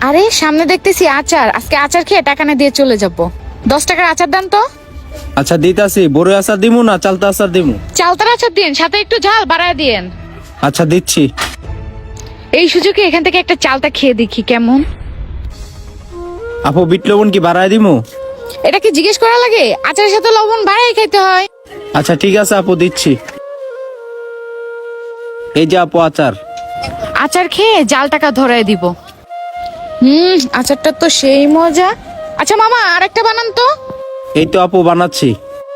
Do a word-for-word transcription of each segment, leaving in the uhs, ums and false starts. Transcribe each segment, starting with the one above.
আরে সামনে দেখতেছি আচার, আজকে আচার খেয়ে টাকা না দিয়ে চলে যাব। দশ টাকার আচার দেন তো। আচ্ছা দিতাছি, বড় আচার দিমু না চালতা আচার দিমু? চালতার আচার দিন, সাথে একটু ঝাল বাড়ায় দিয়েন। আচ্ছা দিচ্ছি। এই সুযোগে এখান থেকে একটা চালতা খেয়ে দেখি কেমন। আপু বিট লবণ কি বাড়ায় দিমু? এটা কি জিজ্ঞেস করা লাগে? আচারের সাথে লবণ বাড়াই খাইতে হয়। আচ্ছা ঠিক আছে আপু, দিচ্ছি। এই যে আপু আচার। আচার খেয়ে জাল টাকা ধরায় দিব। হুম, আচারটা তো সেই মজা। আচ্ছা মামা আরেকটা বানান তো। এই তো আপু বানাচ্ছি।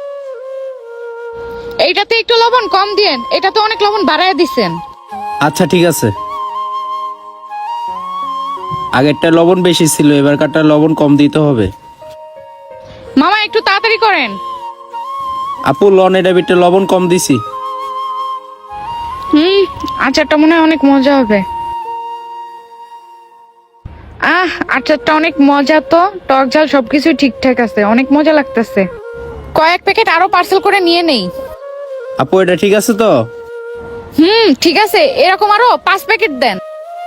এইটাতে একটু লবণ কম দিয়েন, এটা তো অনেক লবণ বাড়ায় দিছেন। আচ্ছা ঠিক আছে। আগেরটা লবণ বেশি ছিল, এবারকারটা লবণ কম দিতে হবে। মামা একটু তাড়াতাড়ি করেন। আপু লন, এটা বিটে লবণ কম দিছি। হুম, আচারটা মনে হয় অনেক মজা হবে। আহ, আচারটা অনেক মজা তো, টক ঝাল সবকিছু ঠিকঠাক আছে, অনেক মজা লাগতেছে। কয়েক প্যাকেট আরো পার্সেল করে নিয়ে নেই। আপু এটা ঠিক আছে তো? হুম ঠিক আছে, এরকম আরো পাঁচ প্যাকেট দেন।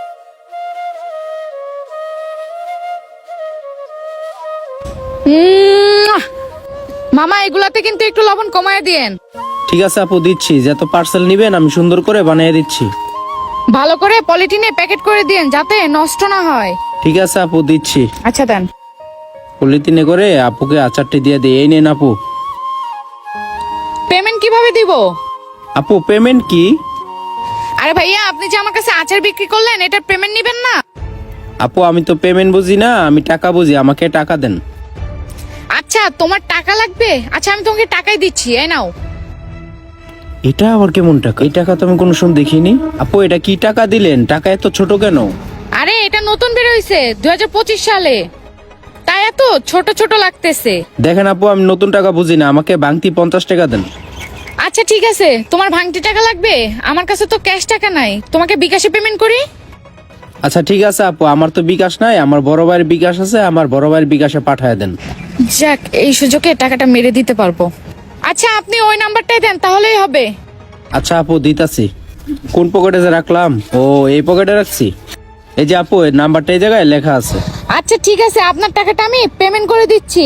উম, মামা এগুলাতে কিন্তু একটু লবণ কমায় দিয়েন। ঠিক আছে আপু দিচ্ছি, যত পার্সেল নিবেন আমি সুন্দর করে বানিয়ে দিচ্ছি। ভালো করে পলিথিনে প্যাকেট করে দিয়েন যাতে নষ্ট না হয়। ঠিক আছে আপু দিচ্ছি। আচ্ছা দেন। পলিথিনে করে আপুকে আচারটি দিয়ে দিই। এই নেন আপু। পেমেন্ট কিভাবে দিব? আপু পেমেন্ট কি? আরে ভাইয়া, আপনি যে আমার কাছে আচার বিক্রি করলেন, এটার পেমেন্ট নিবেন না? আপু আমি তো পেমেন্ট বুঝি না, আমি টাকা বুঝি, আমাকে টাকা দেন। আচ্ছা তোমার টাকা লাগবে, আচ্ছা আমি তোমাকে টাকাই দিচ্ছি, এই নাও। এটা আবার কেমন টাকা? এই টাকা তো আমি কোনো সময় দেখিনি। আপু এটা কি টাকা দিলেন? টাকা এত ছোট কেন? আরে এটা নতুন বের হইছে দুই হাজার পঁচিশ সালে, তাই এত ছোট ছোট লাগতেছে। দেখেন আপু, আমি নতুন টাকা বুঝি না, আমাকে ভাঙতি পঞ্চাশ টাকা দেন। আচ্ছা ঠিক আছে, তোমার ভাঙতি টাকা লাগবে? আমার কাছে তো ক্যাশ টাকা নাই, তোমাকে বিকাশে পেমেন্ট করি। আচ্ছা ঠিক আছে আপু, আমার তো বিকাশ নাই, আমার বড় ভাইয়ের বিকাশ আছে, আমার বড় ভাইয়ের বিকাশে পাঠায় দেন। যাক, এই সুযোগে টাকাটা মেরে দিতে পারবো। আচ্ছা আপনি ওই নাম্বারটাই দেন, তাহলেই হবে। আচ্ছা আপু দিতাছি। কোন পকেটে যে রাখলাম? ও এই পকেটে রাখছি। এই যে আপু, এই নাম্বারটা এই জায়গায় লেখা আছে। আচ্ছা ঠিক আছে, আপনার টাকাটা আমি পেমেন্ট করে দিচ্ছি।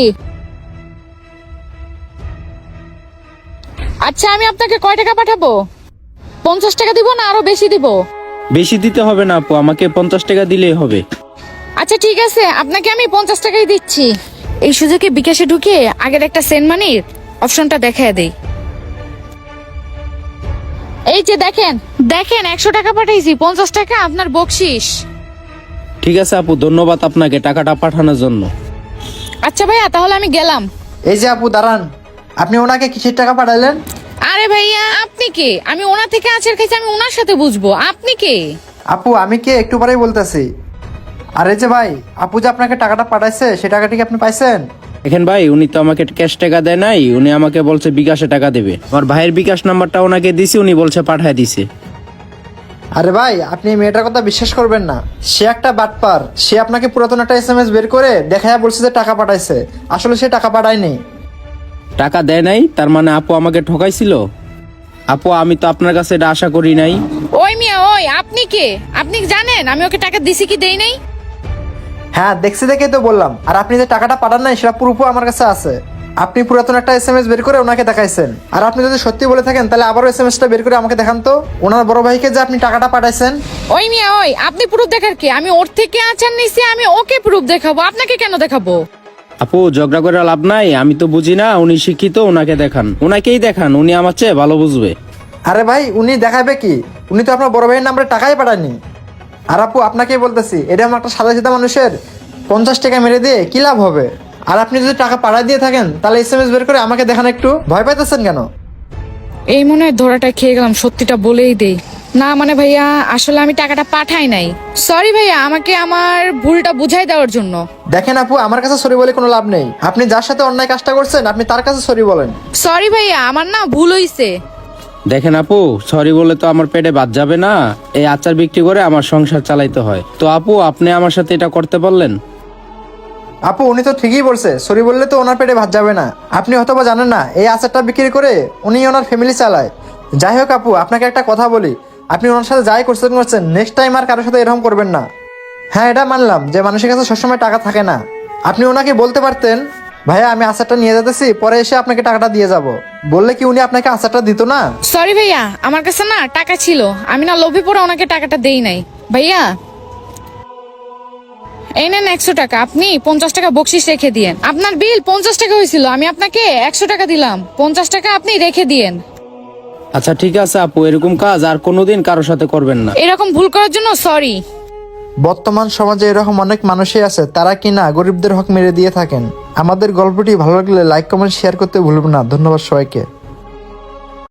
আচ্ছা আমি আপনাকে কয় টাকা পাঠাবো? পঞ্চাশ টাকা দিব না আরো বেশি দিব? বেশি দিতে হবে না আপু, আমাকে পঞ্চাশ টাকা দিলেই হবে। আচ্ছা ঠিক আছে, আপনাকে আমি পঞ্চাশ টাকাই দিচ্ছি। এই সুযোগে বিকাশে ঢুকে আগের একটা সেন্ড মানির অপশনটা দেখায় দেই। এই যে দেখেন দেখেন একশো টাকা পাঠাইছি, পঞ্চাশ টাকা আপনার বকশিস। ঠিক আছে আপু, ধন্যবাদ আপনাকে টাকাটা পাঠানোর জন্য। আচ্ছা ভাইয়া, তাহলে আমি গেলাম। এই যে আপু দাঁড়ান, আপনি ওনাকে কিসের টাকা পাঠালেন? আরে ভাইয়া আপনি কে? আমি ওনার থেকে আচার খাইছি, আমি ওনার সাথে বুঝবো। আপনি কে? আপু আমি কে একটু পরেই বলতেছি। আর এই যে ভাই, আপু যে আপনাকে টাকাটা পাঠাইছে সে টাকাটি কি আপনি পাইছেন? দেখেন ভাই, উনি তো আমাকে ক্যাশ টাকা দেয় নাই, উনি আমাকে বলছে বিকাশে টাকা দেবে। আমার ভাইয়ের বিকাশ নাম্বারটা ওনাকে দিছি, উনি বলছে পাঠায় দিছে। আরে ভাই, আপনি এই মেয়েটার কথা বিশ্বাস করবেন না, সে একটা বাটপার। সে আপনাকে পুরাতন একটা এস এম এস বের করে দেখায় বলছে যে টাকা পাঠাইছে, আসলে সে টাকা পাঠায়নি। টাকা দেয় নাই তার মানে আপু আমাকে ঠকাইছিল? আপু আমি তো আপনার কাছে এটা আশা করি নাই। ওই মিয়া ওই, আপনি কে? আপনি জানেন আমি ওকে টাকা দিছি কি দেই নাই? হ্যাঁ দেখছি দেখেই তো বললাম। আর আপনি যে টাকাটা পাঠান নাই সেটা প্রুফও আমার কাছে আছে। আপনি পুরাতন একটা এস এম এস বের করে ওনাকে দেখাইছেন। আর আপনি যদি সত্যি বলে থাকেন তাহলে আবারও এস এম এসটা বের করে আমাকে দেখান তো, ওনার বড় ভাইকে যে আপনি টাকাটা পাঠাইছেন। ওই মিয়া ওই, আপনি প্রুফ দেখার কি? আমি ওর থেকে আচার নিছি, আমি ওকে প্রুফ দেখাবো, আপনাকে কেন দেখাবো? আপু ঝগড়া করে লাভ নাই, আমি তো বুঝি না, উনি শিক্ষিত, ওনাকে দেখান, ওনাকেই দেখান, উনি আমার চেয়ে ভালো বুঝবে। আরে ভাই, উনি দেখাবে কি? উনি তো আপনার বড় ভাইয়ের নাম্বারে টাকাই পাঠায়নি। আর আপু আপনাকেই বলতেছি, এটা আমার একটা সাদা সিধা মানুষের পঞ্চাশ টাকা মেরে দিয়ে কি লাভ হবে? আর আপনি যদি টাকা পাঠায় দিয়ে থাকেন তাহলে এস এম এস বের করে আমাকে দেখান একটু। ভয় পাইতেছেন কেন? এই মনে হয় ধরাটা খেয়ে গেলাম, সত্যিটা বলেই দেই। না মানে ভাইয়া, আসলে আমি টাকাটা পাঠাই নাই। সরি ভাইয়া, আমাকে আমার ভুলটা বুঝাই দেওয়ার জন্য। দেখেন আপু, আমার কাছে সরি বলে কোনো লাভ নেই। আপনি যার সাথে অন্যায় কাজটা করছেন আপনি তার কাছে সরি বলেন। সরি ভাইয়া, আমার না ভুল হইছে। দেখেন আপু, সরি বলে তো আমার পেটে ভাত যাবে না, এই আচার বিক্রি করে আমার সংসার চালাইতে হয়। তো আপু আপনি আমার সাথে এটা করতে পারলেন? আপু উনি তো ঠিকই বলছে, সরি বললে তো ওনার পেটে ভাত যাবে না। আপনি হয়তো বা জানেন না, এই আচারটা বিক্রি করে উনি ওনার ফ্যামিলি চালায়। যাই হোক আপু, আপনাকে একটা কথা বলি, আপনি ওনার সাথে যাই করছেন করছেন নেক্সট টাইম আর কারোর সাথে এরকম করবেন না। হ্যাঁ, এটা মানলাম যে মানুষের কাছে সবসময় টাকা থাকে না। আপনি ওনাকে বলতে পারতেন, ভাইয়া আমি আচারটা নিয়ে যেতেছি, পরে এসে আপনাকে টাকাটা দিয়ে যাব। বললে কি উনি আপনাকে আচারটা দিত না? সরি ভাইয়া, আমার কাছে না টাকা ছিল, আমি না লোভে পড়ে ওনাকে টাকাটা দেই নাই। ভাইয়া এই নেন একশো টাকা, আপনি পঞ্চাশ টাকা বকশিস রেখে দিয়েন। আপনার বিল পঞ্চাশ টাকা হয়েছিল, আমি আপনাকে একশো টাকা দিলাম, পঞ্চাশ টাকা আপনি রেখে দিয়েন। আচ্ছা ঠিক আছে আপু, এরকম কাজ আর কোনোদিন কারোর সাথে করবেন না। এরকম ভুল করার জন্য সরি। বর্তমান সমাজে এরকম অনেক মানুষই আছে, তারা কিনা গরিবদের হক মেরে দিয়ে থাকেন। আমাদের গল্পটি ভালো লাগলে লাইক কমেন্ট শেয়ার করতে ভুলবেন না। ধন্যবাদ সবাইকে।